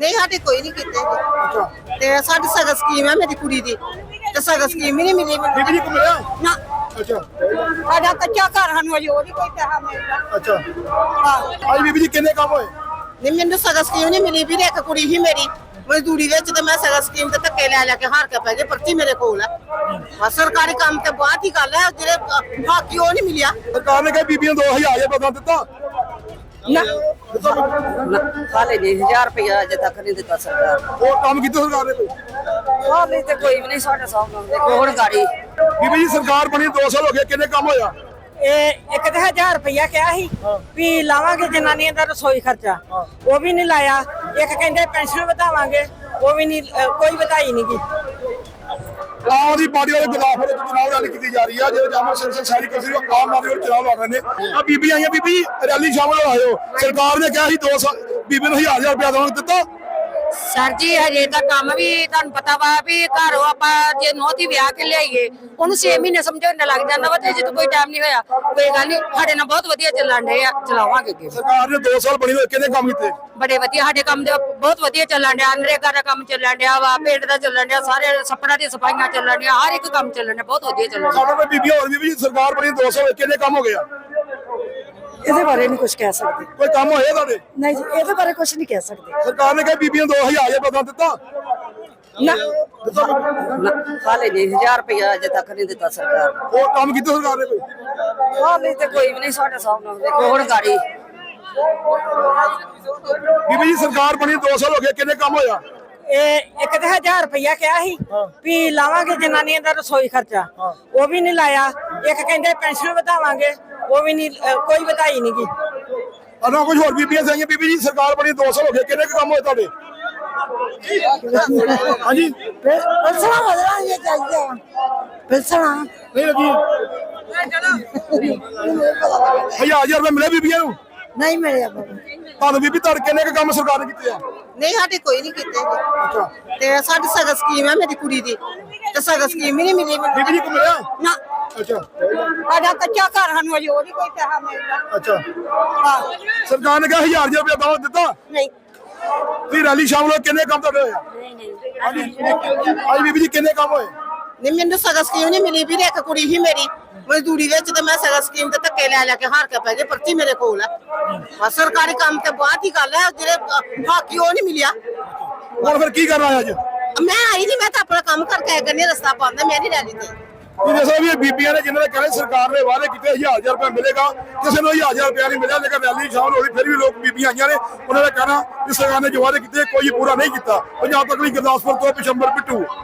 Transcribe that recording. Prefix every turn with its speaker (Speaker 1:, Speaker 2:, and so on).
Speaker 1: ਨਹੀਂ ਸਾਡੇ ਕੋਈ ਨਹੀਂ ਕੀਤੇ ਜੀ।
Speaker 2: ਅੱਛਾ
Speaker 1: ਤੇ ਸਾਡੀ ਸਗਤ ਸਕੀਮ ਹੈ ਮੇਰੀ ਕੁੜੀ ਦੀ ਤੇ ਸਗਤ ਸਕੀਮ ਹੀ ਨਹੀਂ ਮਿਲੀ ਮੈਨੂੰ।
Speaker 2: ਬੀਬੀ ਜੀ ਕੋ ਮਿਲਿਆ
Speaker 1: ਨਾ
Speaker 2: ਅੱਛਾ
Speaker 1: ਸਾਡਾ ਕੱਚਾ ਘਰ ਸਾਨੂੰ ਅਜੇ ਉਹ ਨਹੀਂ ਕੋਈ ਪੈਸਾ ਮਿਲਦਾ।
Speaker 2: ਅੱਛਾ
Speaker 1: ਹਾਂ
Speaker 2: ਅੱਜ ਬੀਬੀ ਜੀ ਕਿੰਨੇ ਕੰਮ ਹੋਏ
Speaker 1: ਨਹੀਂ ਮੈਨੂੰ ਸਗਤ ਸਕੀਮ ਨਹੀਂ ਮਿਲੀ ਵੀਰੇ। ਇੱਕ ਕੁੜੀ ਹੀ ਮੇਰੀ ਮਜ਼ਦੂਰੀ ਵਿੱਚ ਤੇ ਮੈਂ ਸਗਤ ਸਕੀਮ ਤੇ ਧੱਕੇ ਲੈ ਕੇ ਹਾਰ ਕੇ ਪੈ ਗਈ। ਪਰਚੀ ਮੇਰੇ ਕੋਲ ਹੈ। ਬਸ ਸਰਕਾਰੀ ਕੰਮ ਤੇ ਬਾਅਦ ਹੀ ਗੱਲ ਹੈ। ਜਿਹੜੇ ਬਾਕੀ ਉਹ ਨਹੀਂ ਮਿਲਿਆ।
Speaker 2: ਸਰਕਾਰ ਨੇ ਕਿਹਾ ਬੀਬੀਆਂ 2000 ਪਤਾ ਦਿੱਤਾ
Speaker 1: ਨਾ
Speaker 3: ਹਾਲੇ ਨਹੀਂ 1000 ਰੁਪਇਆ ਅਜੇ ਤੱਕ ਨਹੀਂ ਦਿੱਤਾ ਸਰਕਾਰ।
Speaker 2: ਉਹ ਕੰਮ ਕੀਤਾ ਸਰਕਾਰ ਨੇ ਕੋਈ
Speaker 3: ਹਾਲੇ ਤੇ ਕੋਈ ਵੀ ਨਹੀਂ ਸਾਡੇ ਸਾਹਮਣੇ ਦੇਖੋ ਹੁਣ ਗਾੜੀ।
Speaker 2: ਬੀਬੀ ਜੀ ਸਰਕਾਰ ਬਣੀ 2 ਸਾਲ ਹੋ ਗਏ ਕਿੰਨੇ ਕੰਮ ਹੋਇਆ
Speaker 4: ਇਹ ਇੱਕ ਤਾਂ 1000 ਰੁਪਇਆ ਕਿਹਾ ਸੀ ਵੀ ਲਾਵਾਂਗੇ ਜਨਾਨੀਆਂ ਦਾ ਰਸੋਈ ਖਰਚਾ, ਉਹ ਵੀ ਨਹੀਂ ਲਾਇਆ। ਇੱਕ ਕਹਿੰਦੇ ਪੈਨਸ਼ਨ ਵਧਾਵਾਂਗੇ, ਉਹ ਵੀ ਨਹੀਂ, ਕੋਈ ਵਧਾਈ ਨਹੀਂ ਗੀ।
Speaker 2: ਆਮ ਆਦਮੀ ਪਾਰਟੀ ਵਾਲੇ ਗੁਲਾਫਰ ਵਿੱਚ ਚੁਣਾਵ ਰੈਲੀ ਕੀਤੀ ਜਾ ਰਹੀ ਹੈ। ਜਿਹੜੇ ਜਾਮਾ ਸੰਸਦ ਸਾਰੀ ਕਸਰੀ ਆਮ ਆਦਮੀ ਵਾਲੇ ਚੁਣਾਵ ਲੜ ਰਹੇ ਨੇ। ਆ ਬੀਬੀ ਆਈਆਂ ਬੀਬੀ ਰੈਲੀ ਸ਼ਾਮਲ ਹੋਇਓ। ਸਰਕਾਰ ਨੇ ਕਿਹਾ ਸੀ 2 ਸਾਲ ਬੀਬੀ ਨੂੰ 1000 ਰੁਪਇਆ ਦੇਵਾਂਗੇ ਦਿੱਤਾ
Speaker 3: ਸਰ ਜੀ ਹਜੇ ਤਾਂ ਕੰਮ ਵੀ ਤੁਹਾਨੂੰ ਪਤਾ ਵਾ ਵੀ ਘਰੋਂ ਆਪਾਂ ਜੇ ਨੋਹ ਦੀ ਵਿਆਹ ਕੇ ਲਿਆਈਏ ਉਹਨੂੰ 6 ਮਹੀਨੇ ਸਮਝਾਉਣ ਲੱਗ ਜਾਂਦਾ ਵਾ ਤੇ ਜਦੋਂ ਕੋਈ ਟਾਈਮ ਨਹੀਂ ਹੋਇਆ ਕੋਈ ਗੱਲ ਨਹੀਂ। ਸਾਡੇ ਨਾਲ ਬਹੁਤ ਵਧੀਆ ਚੱਲਣ ਡੇ ਆ, ਚਲਾਵਾਂਗੇ ਅੱਗੇ।
Speaker 2: ਸਰਕਾਰ ਨੇ 2 ਸਾਲ ਬਣੀ ਹੋਏ ਕਿੰਨੇ ਕੰਮ ਕੀਤੇ
Speaker 3: ਬੜੇ ਵਧੀਆ ਸਾਡੇ ਕੰਮ ਦੇ ਬਹੁਤ ਵਧੀਆ ਚੱਲਣ ਡਿਆ। ਨਰੇਗਾ ਦਾ ਕੰਮ ਚੱਲਣ ਡਿਆ ਵਾ, ਪਿੰਡ ਦਾ ਚੱਲਣ ਡਿਆ, ਸਾਰੇ ਸੱਪੜਾਂ ਦੀਆਂ ਸਫਾਈਆਂ ਚੱਲਣ ਡਿਆ, ਹਰ ਇੱਕ ਕੰਮ ਚੱਲਣ ਡਿਆ, ਬਹੁਤ ਵਧੀਆ ਚੱਲਣ ਡਿਆ।
Speaker 2: ਸਾਡੇ ਕੋਲ ਬੀਬੀ ਹੋਰ ਬੀਬੀ ਸਰਕਾਰ ਬਣੀ 2 ਸਾਲ ਹੋਏ ਕਿੰਨੇ ਕੰਮ ਹੋ ਗਿਆ
Speaker 4: ਇਹਦੇ ਬਾਰੇ ਨਹੀਂ ਕੁਝ ਕਹਿ ਸਕਦੇ।
Speaker 2: ਕੋਈ ਕੰਮ ਹੋਏ ਤੁਹਾਡੇ
Speaker 4: ਨਹੀਂ ਜੀ, ਇਹਦੇ ਬਾਰੇ ਕੁਝ ਨਹੀਂ ਕਹਿ ਸਕਦੇ।
Speaker 2: ਸਰਕਾਰ ਨੇ ਕਿਹਾ ਬੀਬੀਆਂ 2000 ਪਤਾ ਦਿੱਤਾ
Speaker 4: ਨਾ
Speaker 3: ਹਾਲੇ ਨਹੀਂ 1000 ਰੁਪਇਆ ਅਜੇ ਤੱਕ ਨਹੀਂ ਦਿੱਤਾ ਸਰਕਾਰ।
Speaker 2: ਉਹ ਕੰਮ ਕੀਤਾ ਸਰਕਾਰ ਨੇ ਕੋਈ
Speaker 3: ਹਾਲੇ ਤੇ ਕੋਈ ਵੀ ਨਹੀਂ ਸਾਡੇ ਸਾਹਮਣੇ ਦੇਖੋ ਹੁਣ ਗਾੜੀ।
Speaker 2: ਬੀਬੀ ਜੀ ਸਰਕਾਰ ਬਣੀ 2 ਸਾਲ ਹੋ ਗਏ ਕਿੰਨੇ ਕੰਮ ਹੋਇਆ
Speaker 4: ਇਹ ਇੱਕ ਤਾਂ 1000 ਰੁਪਇਆ ਕਿਹਾ ਸੀ ਵੀ ਲਾਵਾਂਗੇ ਜਨਾਨੀਆਂ ਦਾ ਰਸੋਈ ਖਰਚਾ, ਉਹ ਵੀ ਨਹੀਂ ਲਾਇਆ। ਇੱਕ ਕਹਿੰਦੇ ਪੈਨਸ਼ਨ ਵਧਾਵਾਂਗੇ, ਉਹ ਵੀ ਨਹੀਂ, ਕੋਈ ਵਧਾਈ ਨਹੀਂ ਗੀ।
Speaker 2: ਅਨਾ ਕੁਝ ਹੋਰ ਬੀਬੀਆਂ ਸਾਈਆਂ ਬੀਬੀ ਜੀ ਸਰਕਾਰ ਬਣੀ 2 ਸਾਲ ਹੋ ਗਏ ਕਿੰਨੇ ਕੰਮ ਹੋਏ ਤੁਹਾਡੇ ਹਾਂਜੀ
Speaker 4: ਪੈਸਾ ਵਧਾਉਣਗੇ ਚਾਹੀਦਾ ਪੈਸਾ
Speaker 2: ਨਹੀਂ ਲੱਗੀ 1000 ਰੁਪਏ ਮਿਲੇ ਬੀਬੀਆਂ ਨੂੰ
Speaker 4: ਨਹੀਂ ਮਿਲਿਆ।
Speaker 2: ਤੁਹਾਨੂੰ ਬੀਬੀ ਤੁਹਾਡੇ ਕਿੰਨੇ ਕੰਮ ਸਰਕਾਰ ਨੇ ਕੀਤੇ ਆ
Speaker 1: ਨਹੀਂ ਸਾਡੇ ਕੋਈ ਨਹੀਂ ਕੀਤੇ ਜੀ।
Speaker 2: ਅੱਛਾ
Speaker 1: ਤੇ ਸਾਡੀ ਸਗਤ ਸਕੀਮ ਹੈ ਮੇਰੀ ਕੁੜੀ ਦੀ ਤੇ ਸਗਤ ਸਕੀਮ ਹੀ ਨਹੀਂ ਮਿਲੀ ਮੈਨੂੰ।
Speaker 2: ਬੀਬੀ ਜੀ ਕੋ ਮਿਲਿਆ
Speaker 1: ਨਾ
Speaker 2: ਅੱਛਾ
Speaker 1: ਸਾਡਾ ਕੱਚਾ ਘਰ ਸਾਨੂੰ ਅਜੇ ਉਹ ਨਹੀਂ ਕੋਈ ਪੈਸਾ ਮਿਲਦਾ।
Speaker 2: ਅੱਛਾ
Speaker 1: ਹਾਂ
Speaker 2: ਸਰਕਾਰ ਨੇ ਕਿਹਾ 1000 ਰੁਪਏ ਦਵਾ ਦਿੱਤਾ
Speaker 1: ਨਹੀਂ
Speaker 2: ਤੁਸੀਂ ਰੈਲੀ ਸ਼ਾਮਲ ਹੋਏ ਕਿੰਨੇ ਕੰਮ ਤੁਹਾਡੇ ਹੋਏ ਹਾਂਜੀ ਅੱਜ ਬੀਬੀ ਜੀ ਕਿੰਨੇ ਕੰਮ ਹੋਏ
Speaker 1: ਨਹੀਂ ਮੈਨੂੰ ਸਗਤ ਸਕੀਮ ਨਹੀਂ ਮਿਲੀ ਵੀਰੇ। ਇੱਕ ਕੁੜੀ ਹੀ ਮੇਰੀ ਮਜ਼ਦੂਰੀ ਵਿੱਚ ਤੇ ਮੈਂ ਸਗਤ ਸਕੀਮ ਤੇ ਧੱਕੇ ਲੈ ਕੇ ਹਾਰ ਕੇ ਪੈ ਗਈ। ਪਰਚੀ ਮੇਰੇ ਕੋਲ ਹੈ। ਬਸ ਸਰਕਾਰੀ ਕੰਮ ਤੇ ਬਾਅਦ ਹੀ ਗੱਲ ਹੈ। ਜਿਹੜੇ ਬਾਕੀ ਉਹ ਨਹੀਂ ਮਿਲਿਆ।
Speaker 2: ਹੁਣ ਫਿਰ ਕੀ ਕਰਨਾ ਹੈ ਅੱਜ
Speaker 1: ਮੈਂ ਆਈ ਨਹੀਂ, ਮੈਂ ਤਾਂ ਆਪਣਾ ਕੰਮ ਕਰਕੇ ਆਇਆ ਕਰਨੀ। ਰਸਤਾ ਪਾਉਂਦਾ ਮੈਂ ਨਹੀਂ ਰੈਲੀ ਤੇ।
Speaker 2: ਤੁਸੀਂ ਦੱਸੋ ਵੀ ਇਹ ਬੀਬੀਆਂ ਨੇ ਜਿਨ੍ਹਾਂ ਨੇ ਕਹਿੰਦੇ ਸਰਕਾਰ ਨੇ ਵਾਅਦੇ ਕੀਤੇ 1000 ਰੁਪਏ ਮਿਲੇਗਾ, ਕਿਸੇ ਨੂੰ 1000 ਰੁਪਏ ਨਹੀਂ ਮਿਲਿਆ। ਲੇਕਿਨ ਰੈਲੀ ਸ਼ਾਮਲ ਹੋਈ ਫਿਰ ਵੀ ਲੋਕ ਬੀਬੀਆਂ ਆਈਆਂ ਨੇ। ਉਹਨਾਂ ਦਾ ਕਹਿਣਾ ਕਿ ਸਰਕਾਰ ਨੇ ਜੋ ਵਾਅਦੇ ਕੀਤੇ ਕੋਈ ਪੂਰਾ ਨਹੀਂ ਕੀਤਾ। ਪੰਜਾਬ ਤੱਕ ਲਈ ਗੁਰਦਾਸਪੁਰ ਤੋਂ ਪਿਸ਼ੰਬਰ ਪਿੱਟੂ।